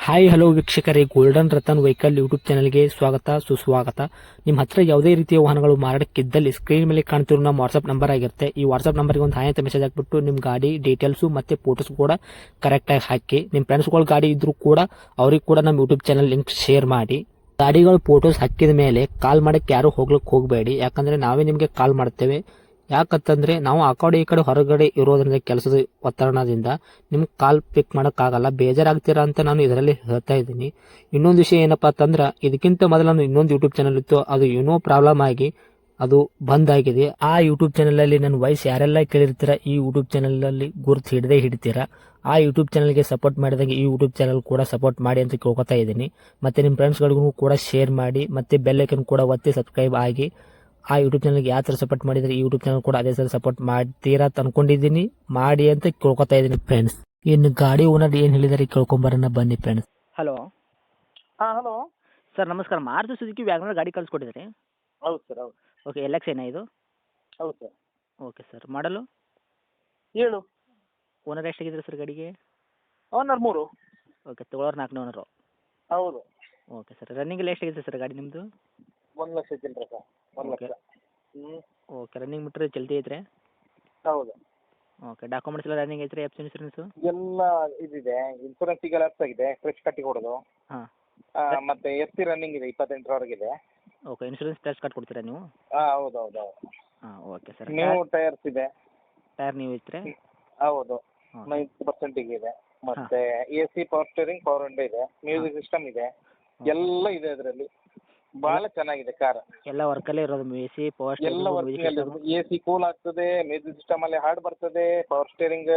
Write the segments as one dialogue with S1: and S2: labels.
S1: Hi hello ವೀಕ್ಷಕರೇ, Golden Ratan vehicle YouTube ಚಾನಲ್ಗೆ ಸ್ವಾಗತ ಸುಸ್ವಾಗತ. ನಿಮ್ಮ ಹತ್ರ ಯಾವುದೇ ರೀತಿಯ ವಾಹನಗಳು ಮಾರಾಟಕ್ಕಿದ್ದಲ್ಲಿ ಸ್ಕ್ರೀನ್ ಮೇಲೆ ಕಾಣ್ತಿರೋ ನಮ್ಮ ವಾಟ್ಸ್ಆಪ್ ನಂಬರ್ ಆಗಿರುತ್ತೆ. ಈ ವಾಟ್ಸ್ಆಪ್ ನಂಬರ್ಗೆ ಒಂದು ಹಾಯ್ ಅಂತ ಮೆಸೇಜ್ ಹಾಕ್ಬಿಟ್ಟು ನಿಮ್ಮ ಗಾಡಿ ಡೀಟೇಲ್ಸು ಮತ್ತೆ ಫೋಟೋಸ್ ಕೂಡ ಕರೆಕ್ಟಾಗಿ ಹಾಕಿ. ನಿಮ್ಮ ಫ್ರೆಂಡ್ಸ್ಗಳ ಗಾಡಿ ಇದ್ರೂ ಕೂಡ ಅವ್ರಿಗೆ ಕೂಡ ನಮ್ಮ ಯೂಟ್ಯೂಬ್ ಚಾನಲ್ ಲಿಂಕ್ ಶೇರ್ ಮಾಡಿ. ಗಾಡಿಗಳು ಫೋಟೋಸ್ ಹಾಕಿದ ಮೇಲೆ ಕಾಲ್ ಮಾಡಕ್ಕೆ ಯಾರು ಹೋಗ್ಲಿಕ್ಕೆ ಹೋಗಬೇಡಿ, ಯಾಕಂದ್ರೆ ನಾವೇ ನಿಮಗೆ ಕಾಲ್ ಮಾಡ್ತೇವೆ. ಯಾಕಂತಂದ್ರೆ ನಾವು ಆ ಕಡೆ ಈ ಕಡೆ ಹೊರಗಡೆ ಇರೋದ್ರಿಂದ ಕೆಲಸದ ಒತ್ತಡದಿಂದ ನಿಮ್ಗೆ ಕಾಲ್ ಪಿಕ್ ಮಾಡೋಕ್ಕಾಗಲ್ಲ, ಬೇಜಾರಾಗ್ತೀರಾ ಅಂತ ನಾನು ಇದರಲ್ಲಿ ಹೇಳ್ತಾ ಇದ್ದೀನಿ. ಇನ್ನೊಂದು ವಿಷಯ ಏನಪ್ಪಾ ಅಂತಂದ್ರೆ, ಇದಕ್ಕಿಂತ ಮೊದಲು ನಾನು ಇನ್ನೊಂದು ಯೂಟ್ಯೂಬ್ ಚಾನಲ್ ಇತ್ತು, ಅದು ಏನೋ ಪ್ರಾಬ್ಲಮ್ ಆಗಿ ಅದು ಬಂದ್ ಆಗಿದೆ. ಆ ಯೂಟ್ಯೂಬ್ ಚಾನಲ್ ಅಲ್ಲಿ ನನ್ನ ವಾಯ್ಸ್ ಯಾರೆಲ್ಲ ಕೇಳಿರ್ತೀರಾ, ಈ ಯೂಟ್ಯೂಬ್ ಚಾನಲ್ ಅಲ್ಲಿ ಗುರುತು ಹಿಡದೇ ಹಿಡಿತೀರಾ. ಆ ಯೂಟ್ಯೂಬ್ ಚಾನಲ್ಗೆ ಸಪೋರ್ಟ್ ಮಾಡಿದಾಗ ಈ ಯೂಟ್ಯೂಬ್ ಚಾನಲ್ ಕೂಡ ಸಪೋರ್ಟ್ ಮಾಡಿ ಅಂತ ಕೇಳ್ಕೊತಾ ಇದ್ದೀನಿ. ಮತ್ತೆ ನಿಮ್ಮ ಫ್ರೆಂಡ್ಸ್ಗಳಿಗೂ ಕೂಡ ಶೇರ್ ಮಾಡಿ, ಮತ್ತೆ ಬೆಲ್ ಐಕನ್ ಕೂಡ ಒತ್ತಿ ಸಬ್ಸ್ಕ್ರೈಬ್ ಆಗಿ. ಆ ಯೂಟ್ಯೂಬ್ ಚಾನಲ್ಗೆ ಯಾವ ಥರ ಸಪೋರ್ಟ್ ಮಾಡಿದ್ರೆ ಈ ಯೂಟ್ಯೂಬ್ ಚಾನಲ್ ಕೂಡ ಅದೇ ಥರ ಸಪೋರ್ಟ್ ಮಾಡ್ತೀರಾ ಅಂತ ಅನ್ಕೊಂಡಿದ್ದೀನಿ. ಮಾಡಿ ಅಂತ ಕೇಳ್ಕೊತಾ ಇದ್ದೀನಿ ಫ್ರೆಂಡ್ಸ್. ಇನ್ನು ಗಾಡಿ ಓನರ್ ಏನು ಹೇಳಿದಾರೆ ಕೇಳ್ಕೊಂಬರೋಣ ಬನ್ನಿ ಫ್ರೆಂಡ್ಸ್.
S2: Hello
S3: hello.
S2: ಸರ್, ನಮಸ್ಕಾರ. ಮಾರುತಿ ಸುಜುಕಿ ವ್ಯಾಗನರ್ ಗಾಡಿ ಕಳಿಸ್ಕೊಟ್ಟಿದ್ರಿ.
S3: ಹೌದು ಸರ್, ಹೌದು.
S2: ಓಕೆ, ಎಲ್ ಎಕ್ಸ್ ಏನಾ ಇದು?
S3: ಹೌದು sir.
S2: Okay sir, model
S3: 7.
S2: Owner ಎಷ್ಟಾಗಿದ್ರಿ ಸರ್ ಗಾಡಿಗೆ?
S3: ಓನರ್ 3.
S2: ಓಕೆ, ತೊಗೊಳೋರು 4ನೇ ಓನರು.
S3: ಹೌದು.
S2: ಓಕೆ ಸರ್, ರನ್ನಿಂಗಲ್ಲಿ ಎಷ್ಟಾಗಿದೆ ಸರ್ ಗಾಡಿ ನಿಮ್ಮದು?
S3: 1 ಲಕ್ಷ ಚಿಲ್ಲರೆ ಸರ್. 1
S2: ಓಕೆ.
S3: ಲಕ್ಷ. ಹ್ಞೂ.
S2: ಓಕೆ, ರನ್ನಿಂಗ್ ಮೀಟ್ರ್ ಚಲ್ತಿ ಐತ್ರಿ?
S3: ಹೌದು.
S2: ಓಕೆ, ಡಾಕ್ಯುಮೆಂಟ್ಸ್ ಎಲ್ಲ ರನ್ನಿಂಗ್ ಐತ್ರಿ? ಎಫ್ ಸಿ ಇನ್ಸೂರೆನ್ಸು
S3: ಎಲ್ಲ ಇದಿದೆ. ಇನ್ಸೂರೆನ್ಸ್ ಈಗ ಲ್ಯಾಪ್ಸ್ ಆಗಿದೆ, ಫ್ರೆಶ್ ಕಟ್ಟಿ ಕೊಡೋದು.
S2: ಹಾಂ.
S3: ಮತ್ತೆ ಎಸ್ ಸಿ ರನ್ನಿಂಗ್ ಇದೆ, 28ರವರೆಗಿದೆ.
S2: ಓಕೆ, ಇನ್ಸೂರೆನ್ಸ್ ಫ್ರೆಶ್ ಕಟ್ ಕೊಡ್ತೀರಾ ನೀವು?
S3: ಹೌದು ಹೌದು ಹೌದು.
S2: ಹಾಂ, ಓಕೆ ಸರ್.
S3: ನ್ಯೂ ಟೈರ್ಸ್ ಇದೆ.
S2: ಟೈರ್ ನೀವು ಐತ್ರಿ?
S3: ಹೌದು.
S2: ಹಾಂ.
S3: 90% ಇದೆ. ಮತ್ತೆ A C, power steering, power window ಇದೆ, ಮ್ಯೂಸಿಕ್ ಸಿಸ್ಟಮ್ ಇದೆ, ಎಲ್ಲ ಇದೆ ಅದರಲ್ಲಿ. ಬಹಳ ಚೆನ್ನಾಗಿದೆ ಕಾರ್.
S2: ಎಲ್ಲ ವರ್ಕಲ್ಲೇ ಇರೋದು? ಎ ಸಿ, ಪವರ್
S3: ಎಲ್ಲ ವರ್ಕಿಂಗ್ ಅಲ್ಲಿ. ಎ ಸಿ ಕೂಲ್ ಆಗ್ತದೆ, ಮ್ಯೂಸಿಕ್ ಸಿಸ್ಟಮ್ ಅಲ್ಲಿ ಹಾಡ್ ಬರ್ತದೆ, ಪವರ್ ಸ್ಟೇರಿಂಗ್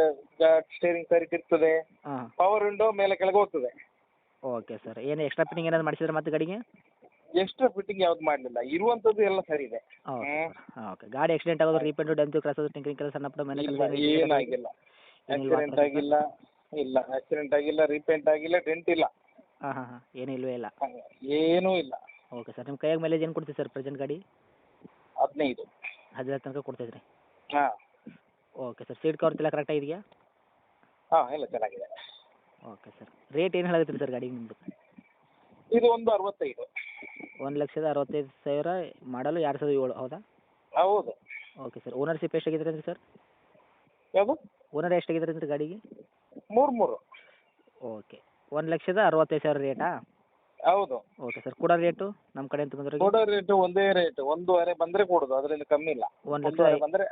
S3: ಸರಿ ಇರ್ತದೆ,
S2: ಹಾಂ.
S3: ಪವರ್ ವಿಂಡೋ ಮೇಲೆ ಕೆಳಗೆ ಹೋಗ್ತದೆ.
S2: ಓಕೆ ಸರ್, ಏನು ಎಕ್ಸ್ಟ್ರಾ ಫಿಟ್ಟಿಂಗ್ ಏನಾದ್ರು ಮಾಡಿಸಿದ್ರೆ ಮತ್ತೆ ಗಾಡಿಗೆ?
S3: ಎಕ್ಸ್ಟ್ರಾ ಫಿಟ್ಟಿಂಗ್ ಯಾವ್ದು ಮಾಡಲಿಲ್ಲ, ಇರುವಂತದ್ದು ಎಲ್ಲ ಸರಿ ಇದೆ.
S2: ಓಕೆ. ಹಾಂ, ಓಕೆ. ಗಾಡಿ ಆಕ್ಸಿಡೆಂಟ್ ಆಗೋದು, ರೀಪೇಂಟು, ಡೆಂತು, ಕ್ರಾಸೋದು, ಟಿಂಕರಿಂಗ್ ಕೆಲಸ, ಸಣ್ಣ ಪುಟ್ಟ ಮನೆ ಕೆಲಸ
S3: ಏನಾಗಿಲ್ಲ. ಆಕ್ಸಿಡೆಂಟ್ ಆಗಿಲ್ಲ. ಇಲ್ಲ, ಆಕ್ಸಿಡೆಂಟ್ ಆಗಿಲ್ಲ, ರೀಪೇಂಟ್ ಆಗಿಲ್ಲ, ಡೆಂಟ್ ಇಲ್ಲ.
S2: ಹಾಂ ಹಾಂ ಹಾಂ, ಏನೂ ಇಲ್ಲವೇ ಇಲ್ಲ.
S3: ಏನೂ ಇಲ್ಲ.
S2: ಓಕೆ ಸರ್, ನಿಮ್ಮ ಕೈಯಾಗ ಮೈಲೇಜ್ ಏನು ಕೊಡ್ತೀವಿ ಸರ್ ಪ್ರೆಸೆಂಟ್ ಗಾಡಿ?
S3: 15.
S2: 15 ತನಕ ಕೊಡ್ತೈತ್ರಿ?
S3: ಹಾಂ
S2: ಓಕೆ ಸರ್, ಸೀಟ್ ಕವರ್ಸ್ ಎಲ್ಲ ಕರೆಕ್ಟಾಗಿ ಇದೆಯಾ?
S3: ಹಾಂ, ಎಲ್ಲ ಚೆನ್ನಾಗಿದೆ.
S2: ಓಕೆ ಸರ್, ರೇಟ್ ಏನು ಹೇಳತ್ತೀರಿ ಸರ್ ಗಾಡಿ ನಿಮ್ಮದು?
S3: ಇದು ಒಂದು 65.
S2: 1,65,000 ಮಾಡಲು 2007, ಹೌದಾ?
S3: ಹೌದು.
S2: ಓಕೆ ಸರ್, ಓನರ್ಶಿಪ್ ಎಷ್ಟಾಗಿದ್ರಿ ಅಂದ್ರಿ ಸರ್?
S3: ಯಾವುದು?
S2: ಓನರ್ ಎಷ್ಟಾಗಿದ್ರಿ ಅಂದ್ರಿ ಗಾಡಿಗೆ?
S3: 3.
S2: ಓಕೆ, 1,65,000 ರೇಟಾ?
S3: ಹೌದು.
S2: ಓಕೆ ಸರ್, ಕೊಡೋ ರೇಟು ನಮ್ಮ ಕಡೆ ಅಂತ ಬಂದ್ರೆ?
S3: ಕೊಡೋ ರೇಟು ಒಂದೇ ರೇಟ್, 1.5 ಬಂದರೆ ಕೊಡೋದು, ಅದರಿಂದ ಕಮ್ಮಿ ಇಲ್ಲ. 1.5 ಬಂದರೆ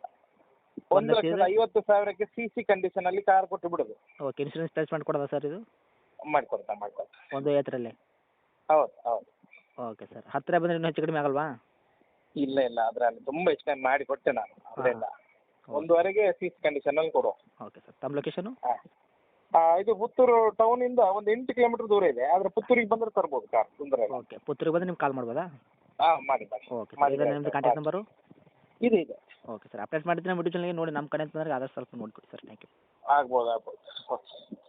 S3: 1,50,000ಕ್ಕೆ CC ಕಂಡೀಷನ್ ಅಲ್ಲಿ ಕಾರ್ ಕೊಟ್ಟು ಬಿಡೋದು.
S2: ಓಕೆ, ಇನ್ಶೂರೆನ್ಸ್ ಪ್ಲೇಸ್ ಮಾಡಿ ಕೊಡೋದಾ ಸರ್ ಇದು?
S3: ಮಾಡ್ಕೊಡ್ತಾ.
S2: 1,50,000
S3: ಹೌದು ಹೌದು.
S2: ಓಕೆ ಸರ್, ಹತ್ತಿರ ಬಂದರೆ ಇನ್ನೂ ಹೆಚ್ಚು ಕಡಿಮೆ ಆಗಲ್ವಾ?
S3: ಇಲ್ಲ ಇಲ್ಲ, ಅದರಲ್ಲಿ ತುಂಬ ಹೆಚ್ಚು ಕಮ್ಮಿ ಮಾಡಿ ಕೊಟ್ಟೆ ನಾನು, ಅದರಿಂದ 1.5ಗೆ CC ಕಂಡೀಷನ್ ಅಲ್ಲಿ ಕೊಡು.
S2: ಓಕೆ ಸರ್, ತಮ್ಮ ಲೊಕೇಶನು?
S3: ಇದು ಪುತ್ತೂರು ಟೌನಿಂದ ಒಂದು 8 ಕಿಲೋಮೀಟರ್ ದೂರ ಇದೆ, ಆದರೆ ಪುತ್ತೂರಿಗೆ ಬಂದರೆ ತರ್ಬೋದು ಕಾರ್, ತೊಂದರೆ ಇಲ್ಲ.
S2: ಓಕೆ, ಪುತ್ತೂರಿಗೆ ಬಂದರೆ ನಿಮ್ಗೆ ಕಾಲ್ ಮಾಡ್ಬೋದಾ?
S3: ಮಾಡಿ.
S2: ಓಕೆ ಸರ್, ಇದು ನಿಮ್ಮದು ಕಾಂಟ್ಯಾಕ್ಟ್ ನಂಬರು?
S3: ಇದೆ.
S2: ಓಕೆ ಸರ್, ಅಪ್ಡೇಟ್ ಮಾಡಿದ್ರೆ ನಮ್ಮ ಯೂಟ್ಯೂಬ್ ಚಾನಲ್ಗೆ ನೋಡಿ, ನಮ್ಮ ಕಡೆ ಅಂತಂದ್ರೆ ಆದಷ್ಟು ಸ್ವಲ್ಪ ನೋಡಿಕೊಡಿ ಸರ್. Thank you.
S3: ಆಗ್ಬೋದು. ಓಕೆ.